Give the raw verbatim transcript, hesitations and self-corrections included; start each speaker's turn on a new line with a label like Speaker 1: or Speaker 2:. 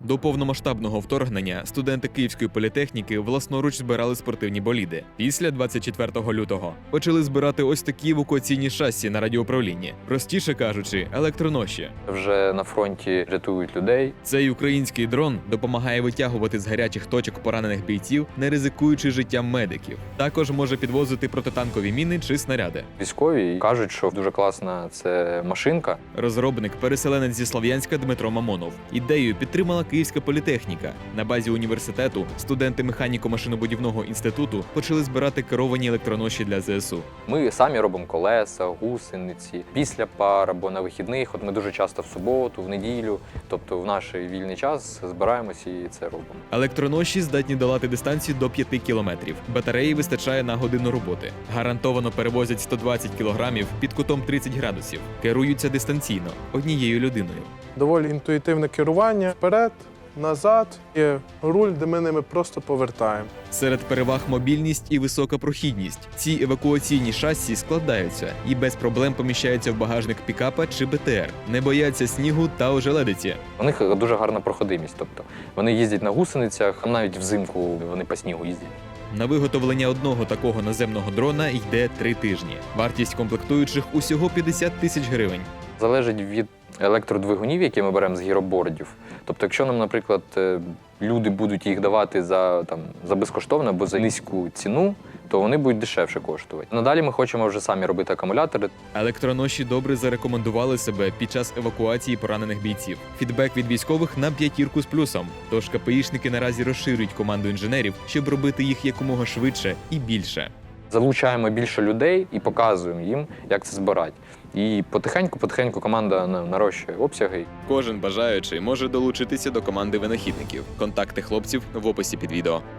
Speaker 1: До повномасштабного вторгнення студенти Київської політехніки власноруч збирали спортивні боліди. Після двадцять четвертого лютого почали збирати ось такі евакуаційні шасі на радіоуправлінні. Простіше кажучи, електроноші.
Speaker 2: Вже на фронті рятують людей.
Speaker 1: Цей український дрон допомагає витягувати з гарячих точок поранених бійців, не ризикуючи життям медиків. Також може підвозити протитанкові міни чи снаряди.
Speaker 2: Військові кажуть, що дуже класна це машинка.
Speaker 1: Розробник, переселенець зі Слов'янська Дмитро Мамонов. Ідею підтримала Київська політехніка. На базі університету студенти механіко-машинобудівного інституту почали збирати керовані електроноші для зе ес у.
Speaker 2: Ми самі робимо колеса, гусениці, після пар або на вихідних. От ми дуже часто в суботу, в неділю, тобто в наш вільний час збираємося і це робимо.
Speaker 1: Електроноші здатні долати дистанцію до п'яти кілометрів. Батареї вистачає на годину роботи. Гарантовано перевозять сто двадцять кілограмів під кутом тридцять градусів. Керуються дистанційно, однією людиною.
Speaker 3: Доволі інтуїтивне керування вперед, назад, є руль, де ми ними просто повертаємо.
Speaker 1: Серед переваг мобільність і висока прохідність. Ці евакуаційні шасі складаються і без проблем поміщаються в багажник пікапа чи бе те ер. Не бояться снігу та ожеледиці.
Speaker 2: У них дуже гарна проходимість, тобто вони їздять на гусеницях, а навіть взимку вони по снігу їздять.
Speaker 1: На виготовлення одного такого наземного дрона йде три тижні. Вартість комплектуючих усього п'ятдесят тисяч гривень.
Speaker 2: Залежить від електродвигунів, які ми беремо з гіробордів. Тобто, якщо нам, наприклад, люди будуть їх давати за, там, за безкоштовно або за низьку ціну, то вони будуть дешевше коштувати. Надалі ми хочемо вже самі робити акумулятори.
Speaker 1: Електроноші добре зарекомендували себе під час евакуації поранених бійців. Фідбек від військових на п'ятірку з плюсом. Тож ка пе ішники наразі розширюють команду інженерів, щоб робити їх якомога швидше і більше.
Speaker 2: Залучаємо більше людей і показуємо їм, як це збирати. І потихеньку-потихеньку команда нарощує обсяги.
Speaker 1: Кожен бажаючий може долучитися до команди винахідників. Контакти хлопців в описі під відео.